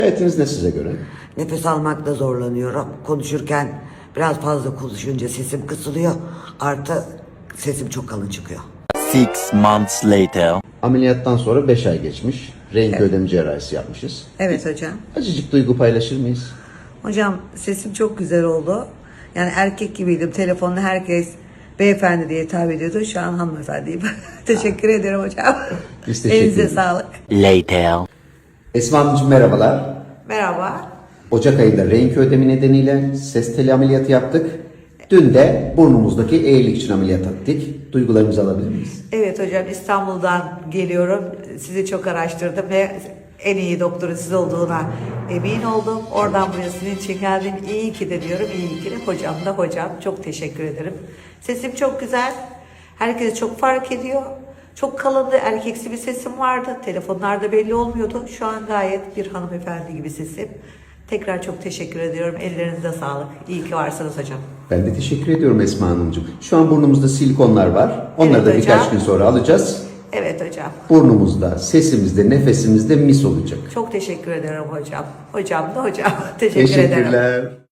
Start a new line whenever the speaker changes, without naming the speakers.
Hayatınız ne size göre?
Nefes almakta zorlanıyorum. Konuşurken biraz fazla konuşunca sesim kısılıyor. Artı sesim çok kalın çıkıyor.
6 months later.
Ameliyattan sonra 5 ay geçmiş. Renk ödem cerrahisi yapmışız.
Evet hocam.
Acıcık duygu paylaşır mıyız?
Hocam sesim çok güzel oldu. Yani erkek gibiydim. Telefonda herkes beyefendi diye hitap ediyordu. Şu an hanımefendiyim. Teşekkür ederim hocam.
Biz teşekkür
Elinize
ederiz.
sağlık.
Later.
Esma Hanımcığım merhabalar.
Merhaba.
Ocak ayında renk ödemi nedeniyle ses teli ameliyatı yaptık. Dün de burnumuzdaki eğrilik için ameliyat ettik. Duygularımızı alabilir miyiz?
Evet hocam, İstanbul'dan geliyorum. Sizi çok araştırdım ve en iyi doktorun siz olduğuna emin oldum. Oradan buraya sizin için geldim. İyi ki de diyorum. İyi ki de hocam da hocam. Çok teşekkür ederim. Sesim çok güzel. Herkes çok fark ediyor. Çok kalındı. Erkeksi bir sesim vardı. Telefonlarda belli olmuyordu. Şu an gayet bir hanımefendi gibi sesim. Tekrar çok teşekkür ediyorum. Ellerinize sağlık. İyi ki varsınız hocam.
Ben de teşekkür ediyorum Esma Hanımcığım. Şu an burnumuzda silikonlar var. Onları
Evet
da birkaç
hocam.
gün sonra alacağız.
Evet hocam.
Burnumuzda, sesimizde, nefesimizde mis olacak.
Çok teşekkür ederim hocam. Hocam da hocam. Teşekkür ederim.
Teşekkürler.